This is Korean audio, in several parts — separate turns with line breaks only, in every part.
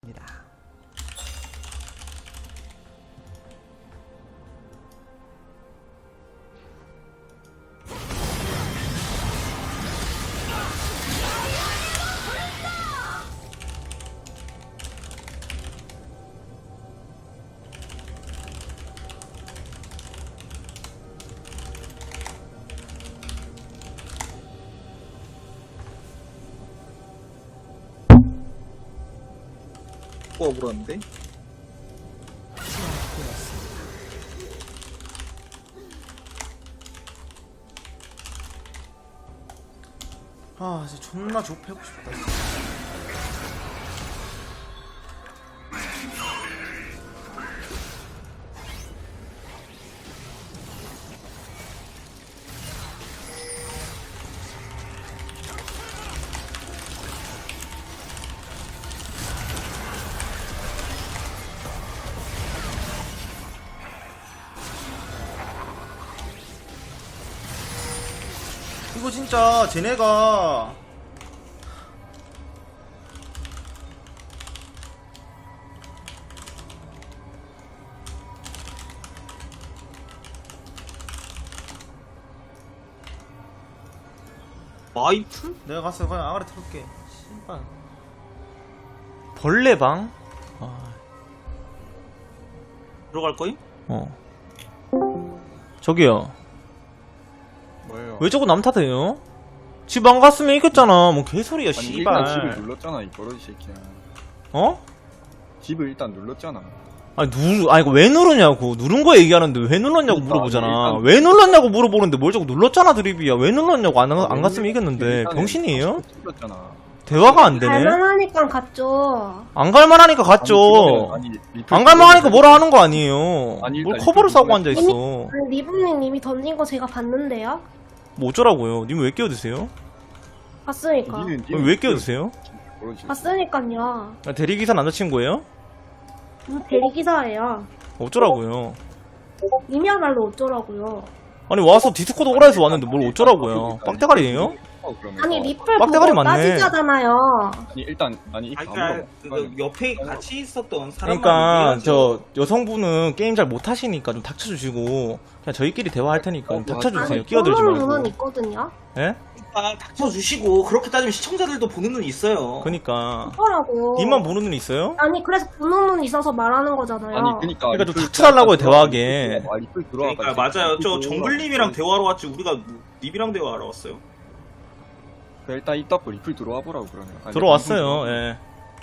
입니다.
물었는데?
아 진짜 존나 좁혀고 싶다. 이거 진짜 쟤네가
마이프?
내가 가서 그냥 아가리 털게. 씨발 벌레방?
들어갈 거임?
저기요
뭐예요?
왜 자꾸 남 탓해요? 집 안 갔으면 이겼잖아. 뭐 개소리야.
아니 일단 집을
씨발.
눌렀잖아 이 버러지 새끼야.
어?
집을 일단 눌렀잖아.
아니 이거 왜 누르냐고. 누른 거 얘기하는데 왜 눌렀냐고
그러니까,
물어보잖아.
일단-
왜 눌렀냐고 물어보는데 뭘 자꾸 눌렀잖아 드립이야. 왜 눌렀냐고. 안 갔으면 이겼는데.
일단은
병신이에요?
눌렀잖아.
대화가 안 되네.
갈만하니까 갔죠.
안 갈만하니까 갔죠. 안 갈만하니까 뭐라 하는 거 아니에요.
아니,
뭘
일단
커버를
리플
싸고 앉아있어.
아니, 리브님 이미 던진 거 제가 봤는데요?
뭐 어쩌라고요. 님 왜 끼어드세요?
봤으니까.
왜 끼어드세요?
봤으니까요.
대리기사 남자친구예요?
대리기사예요.
어쩌라고요.
이면알로 어쩌라고요.
아니 와서 디스코드 오라해서 왔는데 뭘 어쩌라고요. 빡대가리예요?
아니, 리플
빡대가리
보고
맞네.
따지자잖아요.
아니 일단 아니
그러니까 그 옆에 같이 있었던 사람만
그러니까
얘기하죠.
저 여성분은 게임 잘 못하시니까 좀 닥쳐주시고 그냥 저희끼리 대화할 테니까 좀 닥쳐주세요.
아니,
끼어들지
보는 눈은
말고.
있거든요.
예?
그러니까 닥쳐주시고 그렇게 따지면 시청자들도 보는 눈이 있어요.
그니까
있더라고.
님만 보는 눈 있어요?
아니, 그래서 보는 눈 있어서 말하는 거잖아요.
아니 그러니까
좀 닥쳐달라고요, 대화하게.
리플 들어와.
그러니까 맞아요. 저 정글님이랑 대화하러 왔지 우리가 님이랑 대화하러 왔어요.
일단 이따 리플 들어와 보라고 그러면. 아니,
들어왔어요. 예.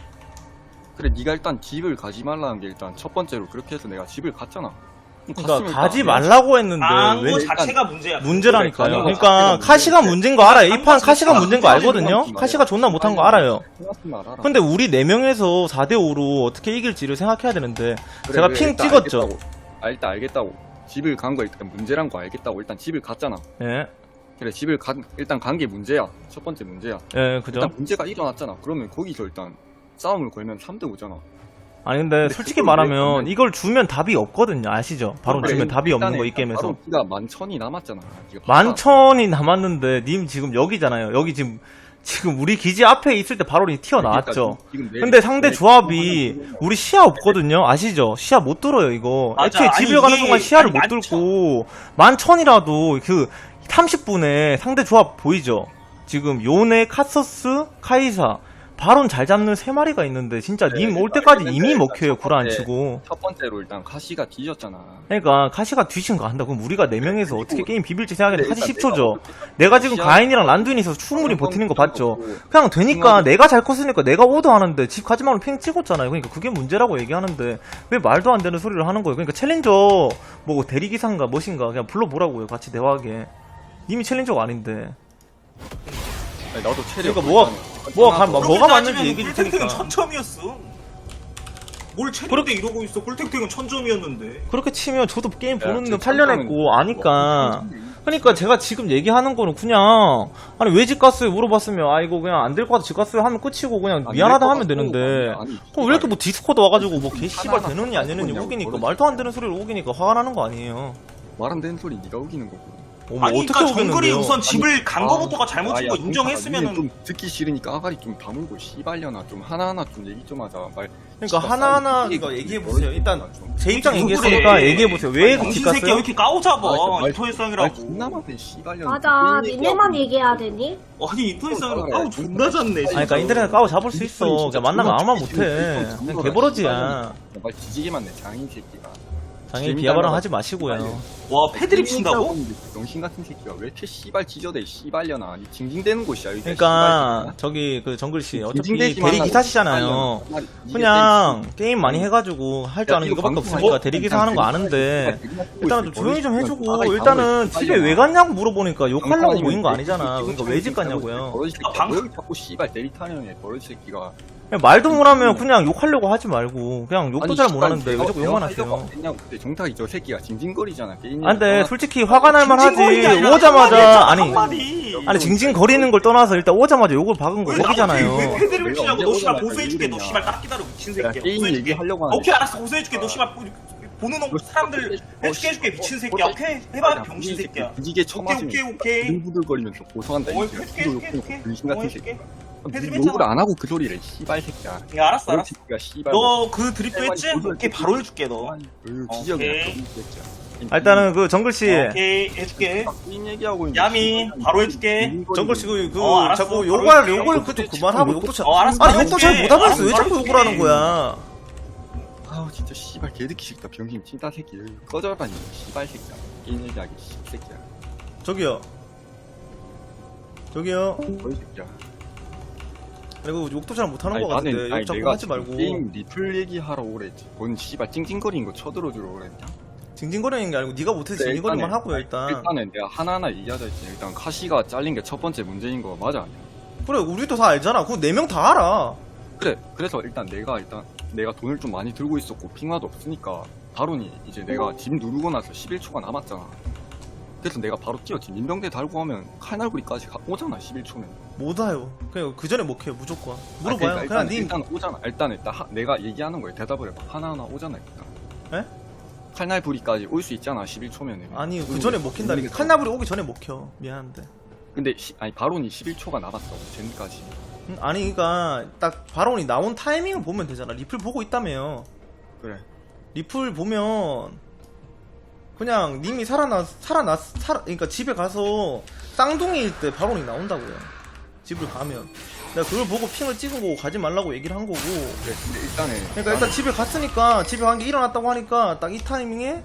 그래 네가 일단 집을 가지 말라는 게 일단 첫 번째로 그렇게 해서 내가 집을 갔잖아.
그러니까 가지 말라고 했는데 왜
거 자체가 문제야.
문제라니까요.
그래,
그러니까 카시가 문제인 거 알아요. 이 판 카시가 문제인 거 알거든요. 카시가 존나 못한 거 알아요. 근데 우리 4명에서 4대5로 어떻게 이길지를 생각해야 되는데 제가 핑 찍었죠.
일단 알겠다고. 집을 간 거 일단 문제란 거 알겠다고. 일단 집을 갔잖아.
예.
그래 집을 일단 간 게 문제야. 첫 번째 문제야.
예, 그죠?
일단 문제가 일어났잖아. 그러면 거기서 일단 싸움을 걸면 3대 5잖아.
아니 근데 솔직히
그걸 왜
말하면
가면-
이걸 주면 답이 없거든요. 아시죠? 바로
그래,
주면 답이 없는
일단은
거 이 게임에서.
바로 네가 11,000이 남았잖아. 네가 봐봐.
11,000이 남았는데 님 지금 여기잖아요. 여기 지금 우리 기지 앞에 있을 때 바로 튀어나왔죠.
지금
근데 상대 조합이 우리 시야 없거든요. 아시죠? 시야 못 들어요 이거.
맞아.
애초에
아니,
집에 가는
이게-
동안 시야를
아니,
못 들고 11,000이라도 그 30분에 상대 조합 보이죠? 지금 요네, 카서스, 카이사 바론 잘 잡는 3마리가 있는데 진짜 님 올 때까지 이미 먹혀요. 구라 안 치고.
첫 번째로 일단 카시가 뒤졌잖아.
그러니까 카시가 뒤진 거 한다. 그럼 우리가 4명에서 어떻게 게임 비빌지 생각했는데 카시
일단
10초죠. 내가 지금 가인이랑 란두인이 있어서 충분히 버티는 거 봤죠. 그냥 되니까 내가 잘 컸으니까 내가 오더하는데 집 가지 말고 핑 찍었잖아요. 그러니까 그게 문제라고 얘기하는데 왜 말도 안 되는 소리를 하는 거예요. 그러니까 챌린저 뭐 대리기사인가 뭐신가 그냥 불러보라고요. 같이 대화하게. 님이 챌린저가 아닌데.
아니, 나도 체력.
그러니까 뭐가
그렇게
맞는지
따지면
얘기해 줄
꿀탱탱은
테니까.
1000점이었어. 뭘 체력대 이러고 있어. 꿀탱탱은 1000점이었는데.
그렇게 치면 저도 게임
야,
보는 데
진짜
8년
참고는
했고 아니까. 그러니까 제가 지금 얘기하는 거는 그냥 아니 왜 집 갔어요 물어봤으면 아 이거 그냥 안 될 것 같아 집 갔어요 하면 끝이고 그냥 미안하다 하면 되는데 그럼 왜 이렇게 뭐 디스코드 와가지고 뭐 개씨발 되느냐 안 되느냐 우기니까 말도 안 되는 소리를 우기니까 화가 나는 거 아니에요.
말 안 되는 소리 네가 우기는 거고.
뭐
아니
어떻게
그러니까 정글이
오겠는데요?
우선 집을 간 거부터가 잘못인
아,
거
야,
인정했으면은
좀 듣기 싫으니까 아가리 좀 다물고 씨발려나 좀 하나하나 좀 얘기 좀 하자. 말.
그러니까 하나하나 이거 얘기해보세요. 일단 제 입장
그래.
얘기했으니까 얘기해보세요. 왜 집
정신 새끼야 왜
갔어요?
이렇게 까오잡아
말
인터넷상이라고.
존나 많네 씨발려나.
맞아. 니네만 얘기해야 되니?
아니 인터넷상이라고 까오 존나 잤네.
아니 그러니까 인터넷 까고 잡을 수 있어. 그냥 만나면 아무 말 못해. 그냥 개버러지야.
말 뒤지게 많네 장인 새끼가.
당연히 비하발언 하지 마시고요.
와 패드립 친다고?
병신 같은 새끼가 왜 이렇게 씨발 지저대 씨발려나. 아니 징징대는 곳이야. 여기
그러니까 저기 그 정글씨 어차피
징징대지
대리
말라고.
기사시잖아요. 그냥 게임 많이 해가지고 할 줄 아는 이거밖에 없으니까 대리 기사 하는 거 아는데 일단은 좀 조용히 좀 해주고 일단은 집에 왜 갔냐고 물어보니까 욕하려고 모인 거 아니잖아. 그러니까 왜 집 갔냐고요.
방금 자꾸 씨발 대리 타령해 버릇 새끼가.
그냥 말도 못하면 그냥 욕하려고 하지 말고 그냥 욕도 잘 못하는데 왜 자꾸 욕만 하세요.
근데 정탁이 저 새끼가 징징거리잖아. 게임
아 근데 솔직히 화가 날 만하지.
징징거리냐, 아니라
오자마자
한마디.
아니 징징거리는 걸 떠나서 일단 오자마자 욕을 박은 거
왜
거기잖아요.
패드립 치냐고 너 씨발
내가
고소해줄게 너
언제
씨발 딱 기다려 미친
야,
새끼야
게임
고소해줄게.
얘기하려고 하는데.
오케이 알았어 고소해줄게 너 씨발 보는 사람들 해줄게 미친 새끼야 오케이 해봐 병신 새끼야.
뒤지게 쳐맞으면
오케이
부들부들거리면서 고소한다.
어,
이 새끼야.
해줄게,
욕
해줄게.
병신 같은
어,
새끼.
해줄게.
니
패드립
욕을
했잖아.
안 하고 그 소리를 씨발 새끼야.
야 알았어
버릇
알았어
새끼가 씨발.
너 그 드립도 했지? 오케이 바로 해줄게 너
뒤지게
오케이.
아, 일단은 그 정글씨
오케이 해줄게
게임 얘기하고 있는데
야미
씨발
바로 해줄게
정글씨 그
알았어.
자꾸
바로
욕을
해줄게.
욕을 그좀 그만하고 욕도 잘
알았어,
아니
바로
욕도 잘
해줄게.
못하면서 왜
알았어,
자꾸
바로
욕을 하는
해줄게.
거야.
아우 진짜 씨발 개듣기 싫다. 병신 찐따 새끼. 꺼져라니 씨발 새끼야. 게임 얘기하기 새끼야.
저기요
버릇 새끼야.
그리고 욕도 잘 못하는
아니,
거 같은데
아니,
욕 자꾸
내가
하지 말고
게임 리플 얘기하러 오랬지. 뭔 씨발 찡찡거리는 거 쳐들어주러 오랬냐?
징징거리는 게 아니고 네가 못해서
네,
징징거리만
일단은-
하고요 일단.
일단은 내가 하나하나 얘기하자 했지. 일단 카시가 잘린 게 첫 번째 문제인 거 맞아?
그래 우리도 다 알잖아. 그거 4명 다 알아.
그래. 그래서 일단 내가 돈을 좀 많이 들고 있었고 핑화도 없으니까 바로니 이제 내가 집 누르고 나서 11초가 남았잖아. 그래서 내가 바로 뛰었지. 민병대 달고 하면 칼날부리까지 오잖아 11초면.
못 와요. 그냥 그 전에 못 해요 무조건. 물어봐요.
그러니까
그냥
일단 오잖아. 일단 내가 얘기하는 거에 대답을 해봐. 하나하나 오잖아 일단.
에?
칼날부리까지 올 수 있잖아 11초면은.
아니 그 전에 못 킨다니까. 칼나불이 오기 전에 못 켜. 미안한데.
근데 아니 바론이 11초가 남았다고 쟤까지.
아니 그니까 딱 바론이 나온 타이밍을 보면 되잖아. 리플 보고 있다며요.
그래.
리플 보면 그냥 님이 그러니까 집에 가서 쌍둥이일 때 바론이 나온다고요. 집을 가면. 내가 그걸 보고 핑을 찍은 거고 가지 말라고 얘기를 한 거고.
그래. 근데 일단은
그러니까 일단 집에 갔으니까 집에 간 게 일어났다고 하니까 딱 이 타이밍에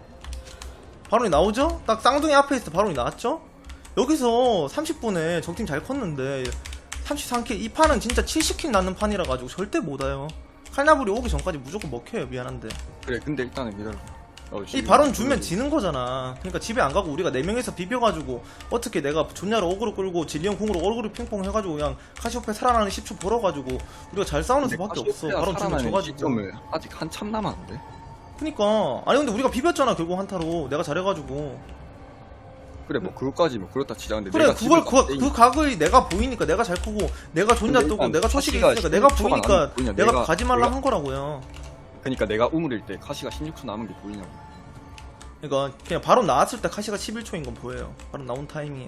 바론이 나오죠? 딱 쌍둥이 앞에 있을 때 바론이 나왔죠? 여기서 30분에 적팀 잘 컸는데 33킬 이 판은 진짜 70킬 낳는 판이라 가지고 절대 못 와요. 칼나불이 오기 전까지 무조건 먹혀요. 미안한데
그래. 근데 일단은 기다려.
이 바론 주면 지는 거잖아. 그러니까 집에 안 가고 우리가 4명에서 비벼가지고 어떻게 내가 존냐로 어그로 끌고 진리형 궁으로 어그로 핑퐁 해가지고 그냥 카시오페 살아나는 10초 벌어가지고 우리가 잘 싸우는 수밖에 없어. 바론 주면 져가지고.
시점을 아직 한참 남았는데.
그니까 아니 근데 우리가 비볐잖아 결국 한타로. 내가 잘해가지고.
그래 뭐 그것까지 뭐 그렇다 치자. 근데
그래
내가
그걸
집을
그 각을 내가 보이니까 내가 잘 크고 내가 존냐
근데
뜨고
일단
내가 초식이
카시가
있으니까 내가
16초가
보이니까
남은 게 보이냐,
내가 가지 말라
내가-
한 거라고요.
그러니까 내가 우물일 때 카시가 16초 남은 게 보이냐고.
그러니까 그냥 바로 나왔을 때 카시가 11초인 건 보여요. 바로 나온 타이밍에.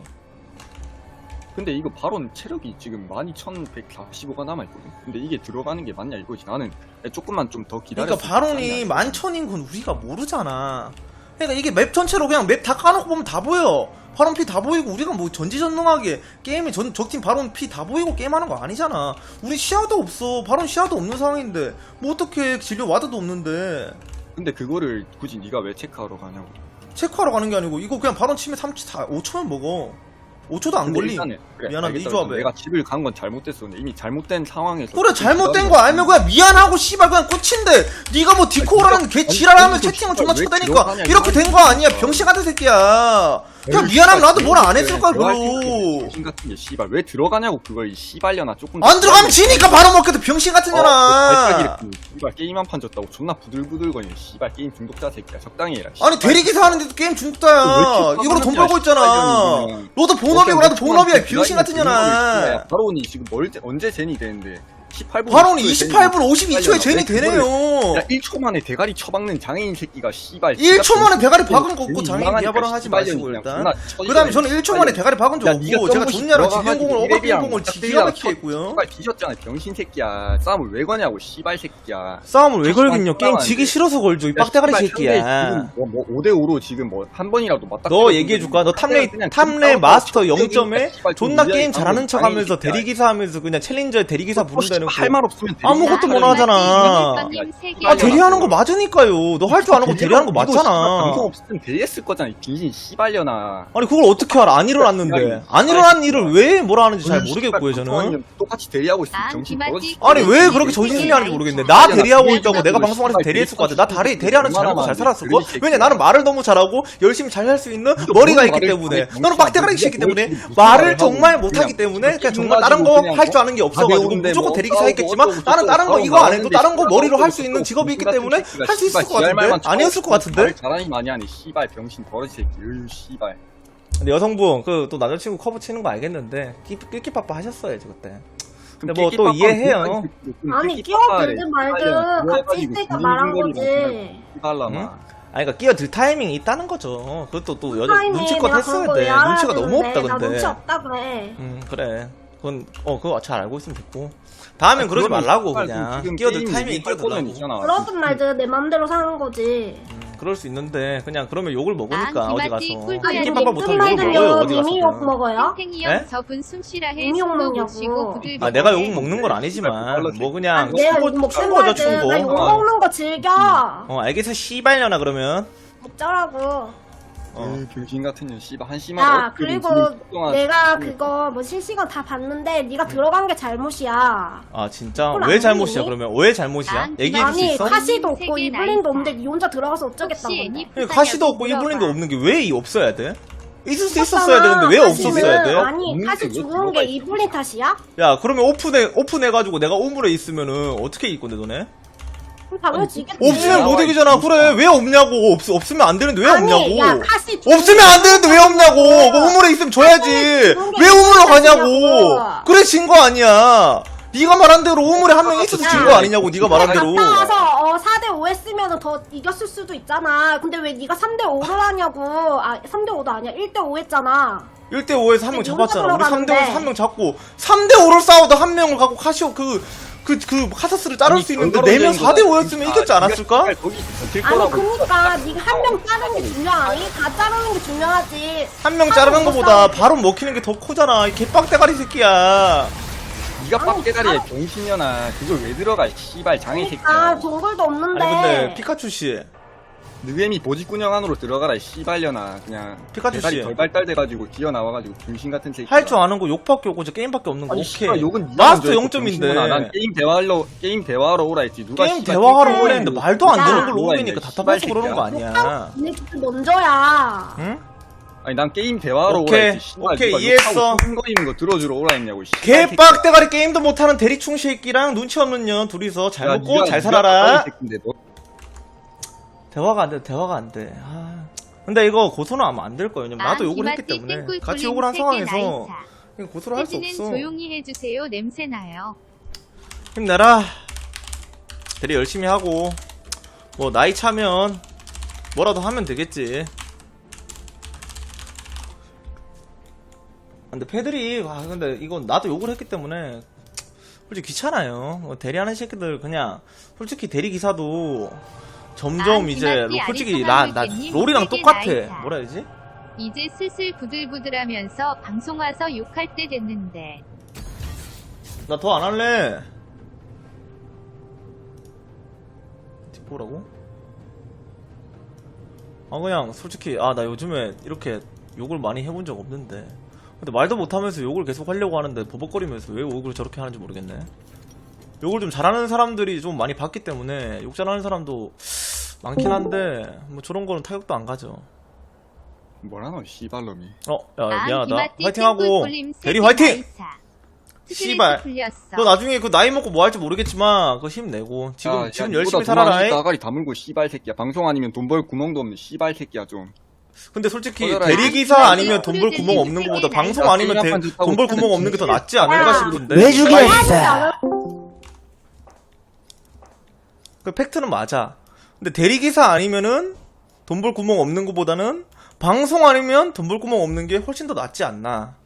근데 이거 바론 체력이 지금 12,145가 남아있거든. 근데 이게 들어가는 게 맞냐 이거지. 나는 조금만 좀 더 기다려.
그러니까 바론이 11,000인 건 우리가 모르잖아. 그러니까 이게 맵 전체로 그냥 맵 다 까놓고 보면 다 보여. 바론 피 다 보이고 우리가 뭐 전지전능하게 게임에 적팀 바론 피 다 보이고 게임하는 거 아니잖아. 우리 시야도 없어. 바론 시야도 없는 상황인데 뭐 어떻게 진료 와드도 없는데
근데 그거를 굳이 네가 왜 체크하러 가냐고.
체크하러 가는 게 아니고 이거 그냥 바론 치면 5초면 먹어. 5초도 안
근데
걸림.
일단은 그래,
미안한데 이
알겠다.
조합에.
내가 집을 간 건 잘못됐어. 근데 이미 잘못된 상황에서.
그래 잘못된 거 알면 그냥 미안하고 씨발 그냥 끝인데 네가 뭐 디코라는 개 지랄하면 채팅을 존나 쳐대니까 이렇게 된 거 아니야. 병신 같은 새끼야. 그냥 미안하면 나도 뭐라 안 했을 거야 별로.
병신 같은 게 씨발 왜 들어가냐고 그걸 이 씨발려나 조금.
안 들어가면 지니까 바로 먹겠다. 병신 같은 년아.
씨발 게임 한 판 졌다고 존나 부들부들거리는 씨발 게임 중독자 새끼야. 적당히 해라.
아니 대리기사 하는데도 게임 중독자야. 이걸로 돈 벌고 있잖아. 너도 본업이고 나도 본업이야. 병신 같은 년아.
바론이 지금 언제 젠이 되는데 18분.
바론이 28분 52초에 젠이 되네요.
야 1초 만에 대가리 쳐박는 장애인 새끼가 씨발
1초 만에 대가리 박은 거
괜히
없고 장애인
이상하니까
비하발언 하지 마시고
씨발년이
일단.
그냥
그 다음에 저는 1초 만에 대가리 박은 적
야,
없고
니가
제가
점프식
존냐랑
들어가가지고
지경공을
이래비랑
어거공을 기가
짝대기랑
막히게 했고요.
씨발 뒤졌잖아 병신 새끼야. 싸움을 왜 거냐고 씨발 새끼야.
싸움을 왜 걸긴요? 게임
싸우면 안
지기
돼.
싫어서 걸죠 이 빡대가리 새끼야.
뭐 5대5로 지금 뭐 한 번이라도 맞다.
너 얘기해줄까? 너 탑레 마스터 0점에 존나 게임 잘하는 척 하면서 대리기사 하면서 그냥 챌린저에 대리기사 부른다는
할 말 없으면
아무것도 못 하잖아. 아 대리하는 거 맞으니까요. 너 할 줄 아는 거 대리하는 거 맞잖아.
방송 없으면 대리했을 거잖아 이 빙신 씨발려나.
아니 그걸 어떻게 알아? 안 일어났는데. 안 일어난 일을 왜 뭐라 하는지 잘 모르겠고요 저는.
똑같이 대리하고 있으면 정신 떨어지.
아니 왜 그렇게 정신승리 하는지 모르겠네. 나 대리하고 있다고 내가 방송 안에서 대리했을 것 같아. 나 대리하는 잘하고 잘 살았을 거. 왜냐 나는 말을 너무 잘하고 열심히 잘 할 수 있는 머리가 있기 때문에. 너는 빡대가리 있기 때문에 말을 정말 못하기 때문에 그냥 정말 다른 거 할 줄 아는 게 없어가지고 무조건 대리기사 했겠지만 나는 다른 거 이거 안 해도 다른 거 머리로 할 수 있는 직업이 있기 때문에 할 수 있을 것 같은데. 아니었을 것 같은데.
말 잘하니 많이 하네 씨발 병신 버러지 새끼. 으유 씨발.
근데 여성분 그 또 남자친구 커브 치는 거 알겠는데 끼끼빠빠 하셨어야지 그때. 근데 뭐 또 이해해요.
아니 끼어들든 말든 같이 있으니까 말한 거지.
씨발라나.
아니 그러니까 끼어들 타이밍이 있다는 거죠. 그것도 또 여자
타이밍
눈치껏
내가
했어야
그런 거
돼.
왜 알아야
눈치가 너무 없다
되는데. 나
근데.
눈치 없다 그래.
그래. 그건 그거 잘 알고 있으면 됐고. 다음엔 그러지 말라고 그냥. 끼어들 타이밍이 끼어들라고.
그러든 말든 내 맘대로 사는 거지.
그럴 수 있는데 그냥 그러면 욕을 먹으니까 어디 가서.
아니
끼빠빠 못하면 욕을
말든
먹어요 어디
님이 욕
가서.
먹어요?
네?
저분 숨쉬라 해.
이미 욕
숨도 못
먹냐고.
쉬고 부들부들
아 내가 욕 먹는 건 아니지만 뭐 그냥
내가 욕 먹든
거죠
말든 나 욕
충고.
먹는 거 즐겨.
알겠어 씨발려나 그러면.
어쩌라고.
병신 같은 년 씨발 한 씨만.
야 그리고 내가 그거 뭐 실시간 다 봤는데 네가 들어간 게 잘못이야.
아 진짜
그걸
왜
안
잘못이야
보니?
그러면 왜 잘못이야? 얘기해 줄 수
아니
있어?
카시도 없고
세계
이블린도
나이다.
없는데 네 혼자 들어가서 어쩌겠다고.
카시도 없고 이블린도 없는 게 왜 없어야 돼? 있을 수 있었어야 되는데 왜 없었어야 돼?
아니
없는
카시
게
죽은 게 이블린 탓이야?
야 그러면 오픈해가지고 내가 우물에 있으면은 어떻게 이길 건데 너네?
그럼 당연히 지겠지.
없으면 못 이기잖아. 그래 왜 없냐고. 없으면 안 되는데 왜
아니,
없냐고.
야, 카시 죽은
없으면 안 되는데 왜 없냐고. 뭐 우물에 있으면 줘야지. 왜 우물로 가냐고. 그래 진 거 아니야. 네가 말한 대로 우물에 한 명 있어서 진 거 아니냐고. 네가 말한 대로.
나와서 4대5 했으면 더 이겼을 수도 있잖아. 근데 왜 네가 3대5를 하냐고. 아 3대5도 아니야. 1대5 했잖아.
1대5에서 한 명
근데
잡았잖아. 우리
들어가는데.
3대5에서 한 명 잡고 3대5를 싸우다 한 명을 갖고 카시오 그 카사스를 자를 수 있는데 4명 4대5였으면 이겼지 않았을까?
아니 그니까 네가 한 명 자르는 게 중요하니? 다 자르는 게 중요하지.
한 명 자르는 거보다 바로 먹히는 게 더 크잖아. 이 개빡대가리 새끼야.
니가 빡대가리에 병신년아. 그걸 왜 들어가 씨발 장애 새끼야.
아 동굴도 없는데.
아니 근데 피카츄 씨.
느웨미 보직군형 안으로 들어가라 씨발려나. 그냥
피카츄
대가리
씨.
덜 발달돼가지고 뛰어나와가지고 병신 같은 새끼.
할 줄 아는 거 욕밖에 없고 저 게임밖에 없는 거
아니,
오케이.
씨발, 욕은 니가
마스터
먼저 했고, 병신년아. 난
0점인데
게임 대화하러 오라 했지. 누가
게임
씨발
대화하러
게임
오래 했는데 말도 안 되는 걸로
누가
오래니까
있네,
답답해서
씨발
그러는 거
새끼야.
아니야.
니네 먼저야.
응?
아니 난 게임 대화하러
오케이,
오라 했지. 씨발,
오케이,
누가
이해했어.
욕하고 흥거리는 거 들어주러 오라 했냐고. 씨발 새끼야.
개빡대가리 게임도 못하는 대리충 새끼랑 눈치 없는 년 둘이서 잘
야,
먹고
니가-
잘
니가
살아라.
빡빡이 새끼인데 너.
대화가 안 돼, 대화가 안 돼. 아. 근데 이거 고소는 아마 안 될 거예요. 왜냐면 나도 욕을 했기 때문에 같이 욕을 한 상황에서 이거 고소를 할 수
는
없어.
조용히 해주세요. 냄새 나요.
힘내라. 대리 열심히 하고 뭐 나이 차면 뭐라도 하면 되겠지. 근데 패들이 근데 이건 나도 욕을 했기 때문에 솔직히 귀찮아요. 대리하는 새끼들 그냥 솔직히 대리 기사도 점점 이제 솔직히 나 롤이랑 똑같아. 뭐라 해야지?
이제 슬슬 부들부들하면서 방송 와서 욕할 때 됐는데.
나 더 안 할래. 뭐라고? 그냥 솔직히 나 요즘에 이렇게 욕을 많이 해본 적 없는데 근데 말도 못하면서 욕을 계속 하려고 하는데 버벅거리면서 왜 욕을 저렇게 하는지 모르겠네. 욕을 좀 잘하는 사람들이 좀 많이 봤기 때문에 욕 잘하는 사람도 많긴 한데 뭐 저런 거는 타격도 안 가죠.
뭐라노 씨발놈이.
야 미안하다. 화이팅하고 대리 화이팅! 씨발 너 나중에 그 나이 먹고 뭐 할지 모르겠지만 그거 힘내고 지금 열심히 살아라.
나가리 다물고 씨발 새끼야. 방송 아니면 돈 벌 구멍도 없는 씨발 새끼야 좀.
근데 솔직히
꺼져라,
대리기사 아니면 돈 벌 구멍 없는 것보다 방송 아니면 돈 벌 구멍 없는 게 더 낫지 않을까 싶은데.
왜 죽였어?
그 팩트는 맞아. 근데 대리기사 아니면은 돈 벌 구멍 없는 것보다는 방송 아니면 돈 벌 구멍 없는 게 훨씬 더 낫지 않나.